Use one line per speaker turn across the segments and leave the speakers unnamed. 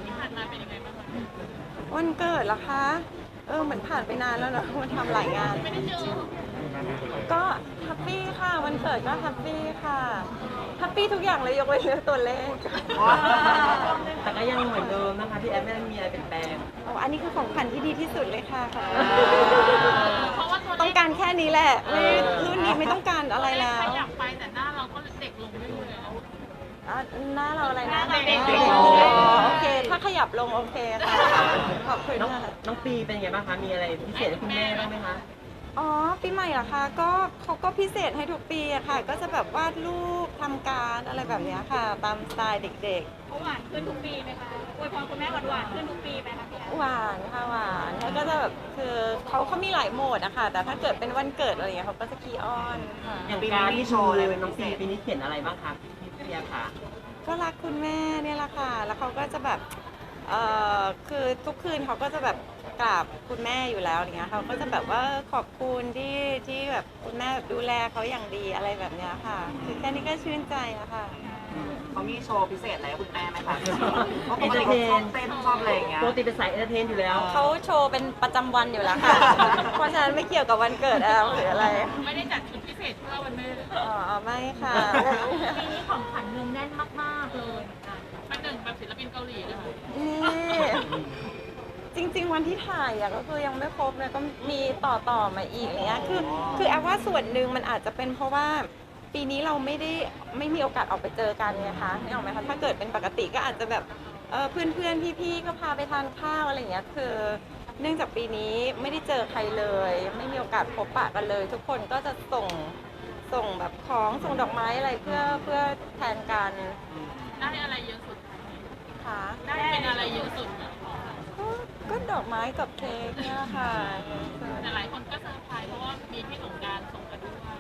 ที่ผ่านมาเป็นยังไงบ้างคะ
วันเกิดเหรอคะเหมือนผ่านไปนานแล้วเนอะมันทำหลายงาน
ไม่ได้เจอ
ก็แฮปปี้ค่ะวันเกิดก็แฮปปี้ค่ะแฮปปี้ทุกอย่างเลยยกเว้นเรื่องตัวเลข
แต่ก็ยังเหมือนเดิมนะคะพี่แอฟไม่ได้มีอะไรเปลี่ยนแปลง
อันนี้คือของขวัญที่ดีที่สุดเลยค่ะ
เพราะว่าตัว
ต้องการแค่นี้แหละไม่รุ่นนี้ไม่ต้องการอะไรแล้ว
ขยับไปแต่หน้าเราก็เด็กลงไม่รู้เลย
หน้าเราอะไรนะ
เด็ก
โอเคถ้าขยับลงโอเคค่ะขอบคุณค่ะ
น้องปีเป็นไงบ้างคะมีอะไรพิเศษให้คุณแม่บ้างไหมคะ
ปีใหม่เหรอคะก็เขาก็พิเศษให้ทุกปีอะค่ะก็จะแบบวาดรูปทำการอะไรแบบนี้ค่ะตามสไตล์เด็กๆ
เขาหวานขึ้นทุกปีไหมคะอวยพรคุณแม่หวานขึ้นทุกปีไหมคะพี่
หวานค่ะหวานแล้วก็จะแบบคือเขามีหลายโหมดอะค่ะแต่ถ้าเกิดเป็นวันเกิดอะไรอย่างเงี้ยเขาก็จะขี้อ้อนค่ะ
อย่างการที่โชว์อะไรเป็นน้องปีปีนี้เขียนอะไรบ้างคะพี่แอฟค่ะ
ก็รักคุณแม่เนี่ยแหละค่ะแล้วเขาก็จะแบบคือทุกคืนเขาก็จะแบบกราบคุณแม่อยู่แล้วอย่างเงี้ยเขาก็จะแบบว่าขอบคุณที่แบบคุณแม่แบบดูแลเขาอย่างดีอะไรแบบเนี้ยค่ะคือแค่นี้ก็ชื่นใจอะค่ะ
เขามีโชว์พิเศษอะไรให้คุณแม่ไหมคะเพราะปกติเขาชอบเต้นชอบอะไรอย่างเงี้ย
ปกติเป็นสายเอนเตอร์เทนอยู่แล้ว
เขาโชว์เป็นประจำวันอยู่แล้วค่ะเพราะฉะนั้นไม่เกี่ยวกับวันเกิดแอลหรืออะไร
ไม่ได้จัดชุดพิเศษเพื่อวันแม่
ไม่ค่ะ
ปีนี้ของขวัญเงินแน่นมากๆเลยเป็นหนึ่งแบบศิลปินเกาหลีเลยค่ะ
นี่จริงๆวันที่ถ่ายก็คือยังไม่ครบเลยก็มีต่อมาอีกอย่างเงี้ยคือแอบว่าส่วนหนึ่งมันอาจจะเป็นเพราะว่าปีนี้เราไม่มีโอกาสออกไปเจอกันไงคะนี่ออกไหมคะถ้าเกิดเป็นปกติก็อาจจะแบบเพื่อนๆพี่ๆก็พาไปทานข้าวอะไรอย่างเงี้ยคือเนื่องจากปีนี้ไม่ได้เจอใครเลยไม่มีโอกาสพบปะกันเลย ทุกคนก็จะส่งแบบของส่งดอกไม้อะไรเพื่อแทนกัน
ได้อะไรเยอะสุด
คะ
ได้เป็นอะไรเยอะสุด
ก็ดอกไม้กับเค้กเนี่ยค่ะ
แต่หลายคนก็เซอร์ไพรส์เพราะว่ามีพี่สงกรานต์ส่งกันด้วย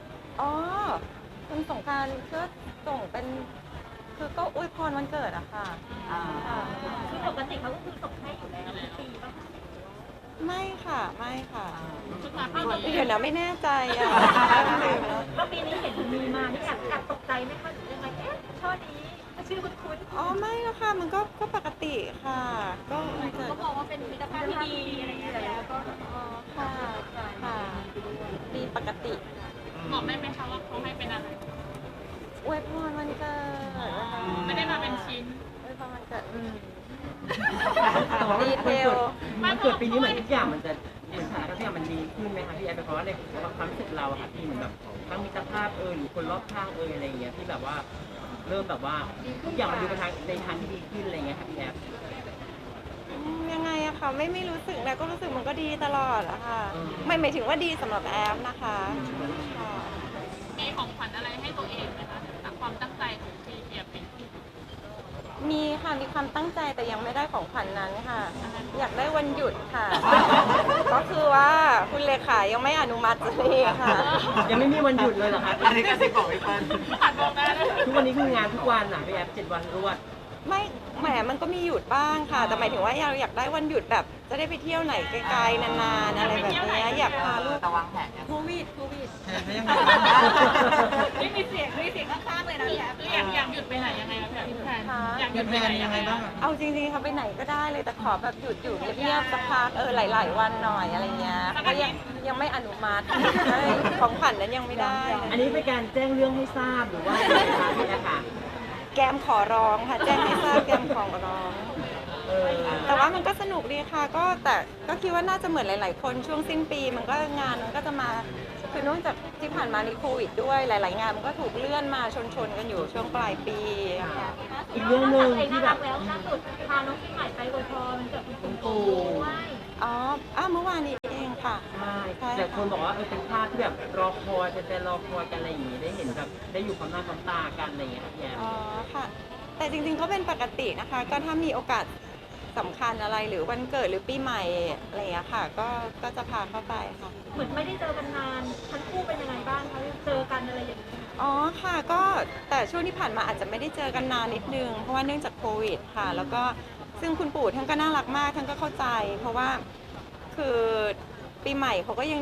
คุณสงกรานต์ก็ส่งเป็นคือก็อวยพรวันเกิดอะค่ะ
คือปกติเขาก็คือส่งให้อยู่แล้วทุกปีป่ะ
ไม่ค่ะไม่ค่ะ
ชุดมาปีนี้
เดี๋ยวนะไม่แน่ใจอะ
ก็ปีนี้เห็นมีมานี่แอบตกใจไหมคะหรือยังไงช่อนี้ชื่อคุ้น
ไม่แล้วค่ะมันก็ปกติค่ะก็
มองว่าเป็นมิตรภาพที่ดีอะไรอย่างเงี้ยแล้วก็
ค่ะดีปกติ
บอกได้ไหมคะว่าเขาให้เป็นอะไร
อวยพรวันเกิด
ไม่ได้มาเป็นชิ้น
อวยพรวันเกิด
แต่ว่ามันเกิดปีนี้เหมือนทุกอย่างมันจะเหมือนสถานการณ์ทุกอย่างมันดีขึ้นไหมคะพี่แอฟเพราะว่าในความรู้สึกเราอะค่ะที่เหมือนแบบทั้งมิตรภาพหรือคนรอบข้างอะไรอย่างเงี้ยที่แบบว่าเริ่มแบบว่าทุกอย่างมันดูไปในทางที่ดีขึ้นอะไรเงี้ยค่ะพี่แอฟ
ยังไงอะค่ะไม่รู้สึกนะก็รู้สึกมันก็ดีตลอดอะค่ะหมายถึงว่าดีสำหรับแอฟนะคะ
มีของขวัญอะไรให้ตัวเองไหมคะจากความตั้งใจของพี่เอียบเอง
มีค่ะมีความตั้งใจแต่ยังไม่ได้ของขวัญนั้นค่ะอยากได้วันหยุดค่ะก็คือว่าคุณเลขายังไม่อนุมัติเลยค่ะ
ยังไม่มีวันหยุดเลยเหรอคะ
อันนี้ก็สิบอกพี่เปิ้ล
ผ่านบอกได้
ทุกวันนี้คืองานทุกวันอ่ะพี่แอฟ7 วันรวด
ไม่แหมมันก็มีหยุดบ้างค่ะแต่หมายถึงว่าเราอยากได้วันหยุดแบบจะได้ไปเที่ยวไหนไกลๆนานๆอะไรแบบนี้อยากพาลูก
ระวังแผน
โควิด
ไม่มีเสียงข้างๆเลยนะพี่แอฟอยากหยุดไปไหนยังไงคะพี่แพนอยากหยุดไปไหนยังไงบ้าง
เอาจริงๆค่ะไปไหนก็ได้เลยแต่ขอแบบหยุดอยู่เงียบๆสักพักหลายๆวันหน่อยอะไรเงี้ยก็ยังไม่อนุมัติของขวัญนั้นยังไม่ได้
อันนี้เป็นการแจ้งเรื่องให้ทราบหรือว่าอะไรคะพี่แอฟค่ะ
แกมขอร้องค่ะแจ้งให้ทราบแกมขอร้องแต่ว่ามันก็สนุกดีค่ะแต่ก็คิดว่าน่าจะเหมือนหลายๆคนช่วงสิ้นปีมันก็งานมันก็จะมาคือเนื่องจากที่ผ่านมาในโควิดด้วยหลายๆงานมันก็ถูกเลื่อนมาชนกันอยู่ช่วงปลายปี
อีกเรื่องหนึ่งที่แบบ
แล้วล่าสุดพาน้องปีใหม่ไปอวยพรมันเกิดคุณปู่
เมื่อวานนี้เองค่ะ
ใช่แต่คนบอกว่าเป็นภาพที่แบบรอคอยเป็นรอคอยกันอะไรอย่างงี้ได้เห็นแบบได้อยู่ความหน้าความตากันอะไรอย่างเงี้ยพี่แอม
ค่ะแต่จริงๆก็เป็นปกตินะคะก็ถ้ามีโอกาสสำคัญอะไรหรือวันเกิดหรือปีใหม่อะไรอย่างเงี้ยค่ะก็จะพาเข้าไปค่ะ
เหมือนไม่ได้เจอกันนานทั้งคู่เป็นยังไงบ้างคะเจอกันอะไรอย่างเงี้ย
ค่ะก็แต่ช่วงที่ผ่านมาอาจจะไม่ได้เจอกันนานนิดนึงเพราะว่าเนื่องจากโควิดค่ะแล้วก็ซึ่งคุณปู่ท่านก็น่ารักมากท่านก็เข้าใจเพราะว่าคือปีใหม่เขาก็ยังเด็ก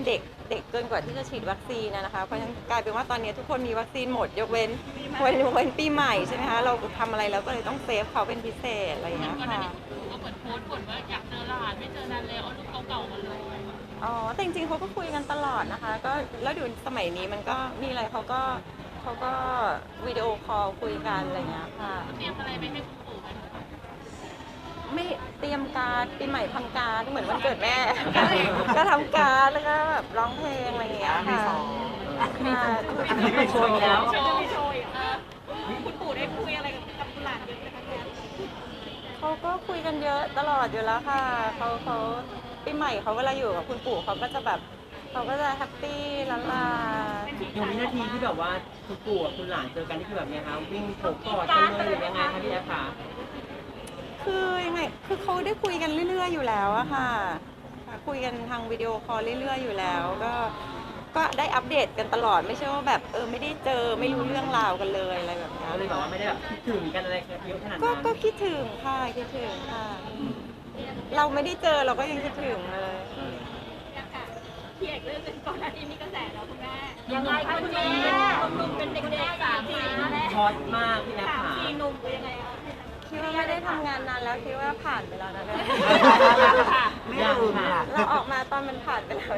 เด็กเกินกว่าที่จะฉีดวัคซีนนะคะเพราะฉะนั้นกลายเป็นว่าตอนนี้ทุกคนมีวัคซีนหมดยกเว้นปีใหม่ใช่ไหมคะเราทำอะไรเราก็เลยต้องเซฟเขาเป็นพิเศษอะไรอย่างเงี้ยค่ะ
ก็เหมือนโพสต์บ่นว่าอยากเจอหลานไม่เจอนานแล้วเอารูปเก่าๆมาเลย
อ๋อแต่จริงๆเขาก็คุยกันตลอดนะคะก็แล้วเดี๋ยวสมัยนี้มันก็มีอะไรเขาก็วิดีโอคอลคุยกันอะไรอย่างเงี้ยค่ะ
เตรียมอะไรไปให้คุณปู่ไหมคะ
ไม่เตรียมการ์ดปีใหม่ทำการ์ดเหมือนวันเกิดแม่ ก็ทำการ์ดแล้วก็แบบร้องเพลงอะไรอย่างเงี้ยค่ะค่ะ
อันนี้ไม่โชว์อีกแล้ว
โชว์โชว์อีกคุณปู่ได้คุยอะไรกับคุณหลานเยอะไหมคะเนี่ย
เขาก็คุยกันเยอะตลอดอยู่แล้วค่ะเขาปีใหม่เขาเวลาอยู่กับคุณปู่เขาก็จะแบบเขาก็จะแฮปปี้ละลา
อย่างวินาทีที่แบบว่าคุณปู่กับคุณหลานเจอกันนี่คือแบบไงคะวิ่งโผล่กอดกันเลยหรือยังไงคะพี่แอฟคะ
คือยังไงคือเขาได้คุยกันเรื่อยๆอยู่แล้วอะค่ะคุยกันทางวิดีโอคอลเรื่อยๆอยู่แล้วก็ได้อัปเดตกันตลอดไม่ใช่ว่าแบบไม่ได้เจอไม่รู้เรื่องราวกันเลยอะไรแบบนี้
ก็เลยแบบว่าไม่ได้แบบคิดถึงกันอะไรเยอะขนาด
ก็
นั้น
คิดถึงค่ะคิดถึงค่ะ เราไม่ได้เจอเราก็ยังคิดถึงเลย
พี่เอกเรื่องหนึงก่อนหน้านี้มีกระแสแล้วคุณแม่
ยังไงคะคุณแม่
หนุ่มเป็นเด็กๆ3 ปีแม่
ฮอตมากพี่แอฟค่ะ
หนุ่มเป็นยังไงคะ
คิดว่าไม่ได้ทำงานนานแล้วคิดว่าผ่านไปแล้วนะเนี่ย
ไม่ลืมค่ะ
เราออกมาตอนมันผ่านไปแล้ว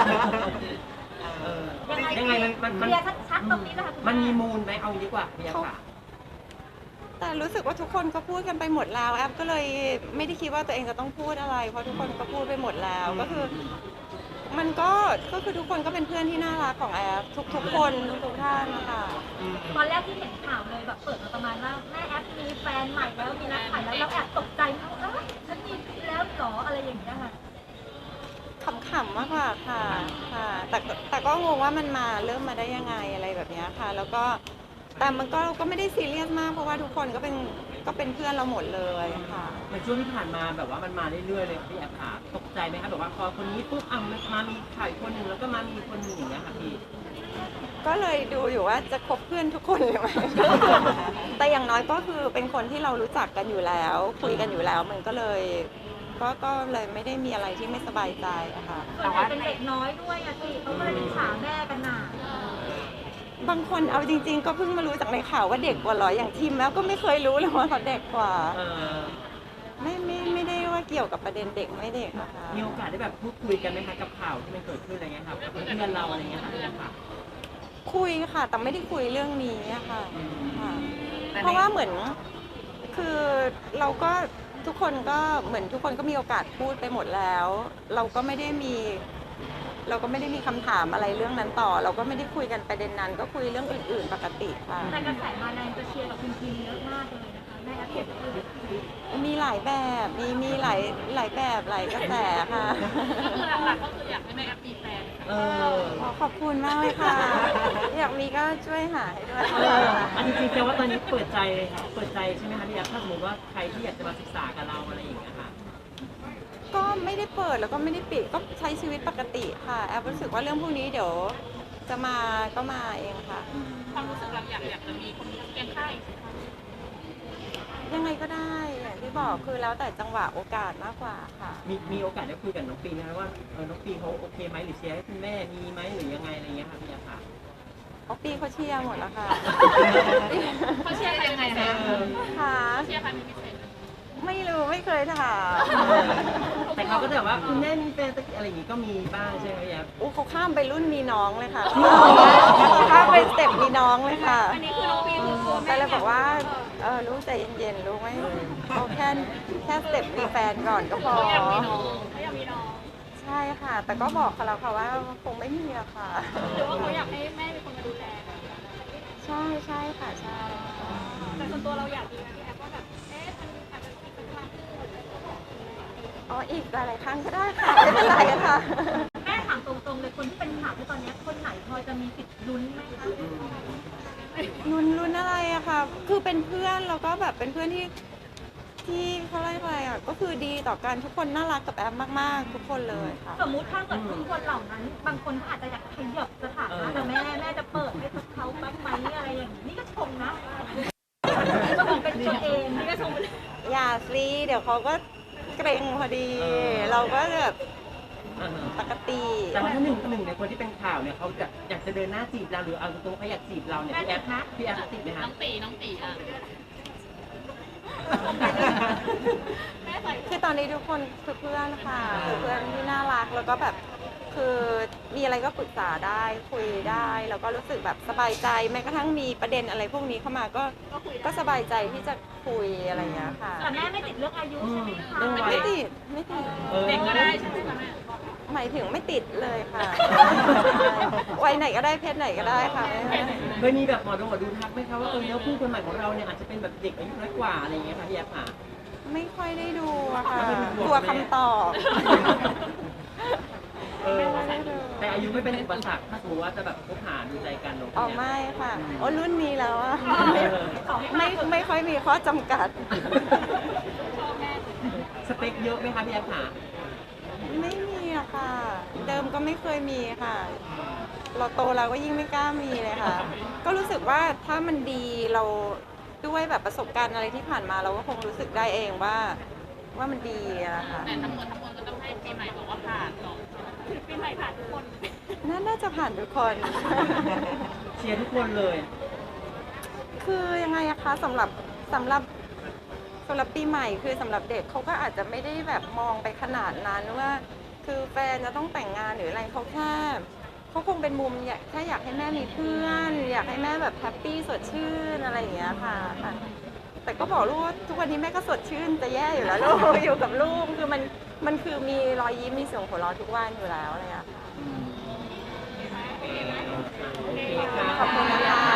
ยังไงมัน
เคลียร์ชัดๆตรงนี้นะคะคุณ
มัน
แ
มีมูลไหมเอางี้ดีกว่าพี่แอฟค่ะ
แต่รู้สึกว่าทุกคนก็พูดกันไปหมดแล้วแอปก็เลยไม่ได้คิดว่าตัวเองจะต้องพูดอะไร เพราะทุกคนก็พูดไปหมดแล้วก็คือ มันก็คือทุกคนก็เป็นเพื่อนที่น่ารักของแอปทุกคนทุกท่านนะคะ
ตอนแรกที่เห็นข่าวเลยแบบเปิดมาประมาณว่าแม่แอปมีแฟนใหม่แล้วมีนักถ่ายแล้วเราแอบตกใจนะว่าฉันมีแล้วเหรออะไรอย่างเงี้ยค่ะ
ขำๆมากกว่าค่ะแต่ก็งงว่ามันมาเริ่มมาได้ยังไงอะไรแบบเนี้ยค่ะ แล้วก็แต่มันก็ไม่ได้ซีเรียสมากเพราะว่าทุกคนก็เป็นเพื่อนเราหมดเลยค่ะ
ในช่วงที่ผ่านมาแบบว่ามันมาเรื่อยๆเลยพี่แอฟค่ะตกใจไหมคะแบบว่าพอคนนี้ปุ๊บมามีข่าวอีกคนหนึ่งแล้วก็มามีคนหนึ่งอย่างเงี้ยค่ะพี่
ก็เลยดูอยู่ว่าจะคบเพื่อนทุกคนเลยไหม แต่อย่างน้อยก็คือเป็นคนที่เรารู้จักกันอยู่แล้ว คุยกันอยู่แล้วมันก็เลยก็เลยไม่ได้มีอะไรที่ไม่สบายใจอะค่ะ
ส่วนใหญ่เป็นเด็กน้อยด้วยอะสิเขาก็เลยอิจฉาแม่กันหนา
บางคนเอาจริง ๆ ก็เพิ่งมารู้จากในข่าวว่าเด็กกว่าเหรออย่างทีมแล้วก็ไม่เคยรู้เลยว่าเขาเด็กกว่า
เออ
ไม่ได้ว่าเกี่ยวกับประเด็นเด็กไม่เด็กนะคะ
มีโอกาสได้แบบพูดคุยกันไหมคะกับข่าวที่มันเกิดขึ้นอะไรเงี้ยค่ะกับเพื่อนเราอะไรเงี้ยค่ะพี่แอฟค่ะ
คุยค่ะ แต่ไม่ได้คุยเรื่องนี้อะค่ะ
อืม
ค่ะ
แต่ใน
เพราะว่าเหมือนคือเราก็ทุกคนก็เหมือนทุกคนก็มีโอกาสพูดไปหมดแล้ว เราก็ไม่ได้มีคำถามอะไรเรื่องนั้นต่อ เราก็ไม่ได้คุยกันประเด็นนั้น ก็คุยเรื่องอื่นๆปกติค่ะ
แต่กระแสมาแรงจะเชียร์กับคุณทีมเยอะมากเลยนะคะแม่แอปเห็นคือ
มีหลายแบบมีหลายแบบหลายกระแสค่ะ
คือหลักๆก็คืออยากให้แม่แอปมีแฟน
เออ
ขอบคุณมากเลยค่ะ อยากมีก็ช่วยหาให้ด้วย
อันจริงๆแปลว่าตอนนี้เปิดใจใช่ไหมคะพี่แอฟถ้าสมมติว่าใครที่อยากจะมาศึกษากับเราอะไรอย่างเงี้ยค่ะ
ก็ไม่ได้เปิดแล้วก็ไม่ได้ปิดก็ใช้ชีวิตปกติค่ะแอบรู้สึกว่าเรื่องพวกนี้เดี๋ยวจะมาก็มาเองค่ะ
ความรู้สึกเราอยากจะมีคนเคียงข้างอีก
ยังไงก็ได้อย่างที่บอกคือแล้วแต่จังหวะโอกาสมากกว่าค่ะ
มีโอกาสได้คุยกับน้องปีไหมคะว่าน้องปีเขาโอเคไหมหรือเชียร์ให้คุณแม่มีไหมหรือยังไงอะไรเงี้ยค่ะพี่แอฟค่ะ
เอาปีเขาเชียร์หมดแล้วค่ะ
เขาเชียร์ใครยังไงคะ
ค่ะ
เชียร์ใครเป็นพิเศษ
ไม่รู้ไม่เคยถาม
แต่เขาก็จะแบบว่าคุณแม่มีแฟนสักอะไรอย่างงี้ก็มีบ้างใช่ไหมพี่แอฟ
อู้เขาข้ามไปรุ่นมีน้องเลยค่ะ
จริงเหรอ
เขาข้ามไปสเต็ปมีน้องเลยค่ะ
อันนี้คือน้องปีคือตัว
แต่
แม่
เลยบอกว่าลูกใจเย็นๆลูกไม่เอาแค่สเต็ปมีแฟนก่อนก็พอ
เขาอยากมีน้องเขาอยากมีน้อง
ใช่ค่ะ แต่ก็บอกเขาแล้วค่ะว่าคงไม่มีอะค่ะ
หรือว่าเขาอยากให้แม่เป็นคนมาดูแล
ใช่ใช่ค่ะใช่ค่ะ
แต่ส่วนตัวเราอยากมีพี่แอฟว่าแบบมันอาจจะอีกสักครั้ง
อ๋ออีกหลายๆครั้งก็ได้ค่ะไม่เป็นไรค่ะ
แม่ถามตรงๆเลยคนที่เป็นข่าวที่ตอนนี้คนไหนพอจะมีสิทธิ์ลุ้นไหมคะ
ลุ้นอะไรอะค่ะ คือเป็นเพื่อนแล้วก็แบบเป็นเพื่อนที่เขาเรียกอะไรอะก็คือดีต่อกันทุกคนน่ารักกับแอมมากๆ ทุกคนเลยค่ะ
สมมุติถ้าเกิดทุกคนเหล่านั้น บางคนเขาอาจจะอยากขยับสถานะแต่แม่จะเปิดให้เขาบ้างไหมอะไรอย่างนี้นี่ก็ชมนะก็เหมือนเป็นตัวเองนี่ก็ชม
อย่าสิเดี๋ยวเขาก็เกรงพอดี เราก็แบบปกติ
แต่ว่าถ้าหนึ่งในคนที่เป็นข่าวเนี่ยเขาจะอยากจะเดินหน้าจีบเราหรือเอาตรงๆเขาอยากจีบเราเนี่ยพี่แอฟติดไหมคะ
น้องตีอ่ะ
คือตอนนี้ทุกคนคือเพื่อนค่ะคือเพื่อนที่น่ารักแล้วก็แบบคือมีอะไรก็ปรึกษาได้คุยได้แล้วก็รู้สึกแบบสบายใจแม้กระทั่งมีประเด็นอะไรพวกนี้เข้ามาก็สบายใจที่จะคุยอะไรอย่างเงี้ยค่ะ
แต่แม่ไม่ติดเรื่องอายุใช่ไหมคะ
เรื่องวัย
ไม่ติด
เด็กก็ได้ใช่ไหมคะแม่
หมายถึงไม่ติดเลยค่ะวัยไหนก็ได้เพศไหนก็ได้ค่ะ
เคยมีแบบหมอดูทักไหมคะว่าแล้วคู่คนใหม่ของเราเนี่ยอาจจะเป็นแบบเด็กอายุน้อยกว่าอะไรอย่างเงี้ยค่ะพี่แอฟค่ะ
ไม่ค่อยได้ดูอะค่ะ
ไม่ได้ดู
กลัวคำตอบ
ไม่ได้ดูแต่อายุไม่เป็นอุปสรรคถ้าสมมติว่าจะแบบคบหาดูใจกันเนาะ
อ๋อไม่ค่ะโอ้รุ่นนี้แล้วอะไม่ค่อยมีข้อจำกัด
สเปคเยอะไหมคะพี่แอฟค่ะ
ไม่มีอะค่ะ เดิมก็ไม่เคยมีค่ะ เราโตแล้วก็ยิ่งไม่กล้ามีเลยค่ะ ก็รู้สึกว่าถ้ามันดีเราด้วยแบบประสบการณ์อะไรที่ผ่านมาเราก็คงรู้สึกได้เองว่ามันดีอะค่ะ
แต่ทั้งหมดก็ต้องให้ปีใหม่บอกว่าผ่านก่อนปีใหม่ผ่านทุกคน
น่าจะผ่านทุกคน
เชียร์ทุกคนเลย
คือยังไงอะคะสำหรับปีใหม่คือสำหรับเด็กเขาก็อาจจะไม่ได้แบบมองไปขนาดนั้นว่า คือแฟนจะต้องแต่งงานหรืออะไรเขาแค่เขาคงเป็นมุมแค่อยากให้แม่มีเพื่อน อยากให้แม่แบบแฮปปี้สดชื่นอะไรอย่างเงี้ยค่ะ แต่ก็บอกลูกว่าทุกวันนี้แม่ก็สดชื่นจะแย่อยู่แล้วลูก อยู่กับลูกคือมันคือมีรอยยิ้มมีเสียงหัวเราะทุกวันอยู่แล้วอะไรอย่างเงี้ยค่ะ
โอเคค่ะ
ขอบคุณนะคะ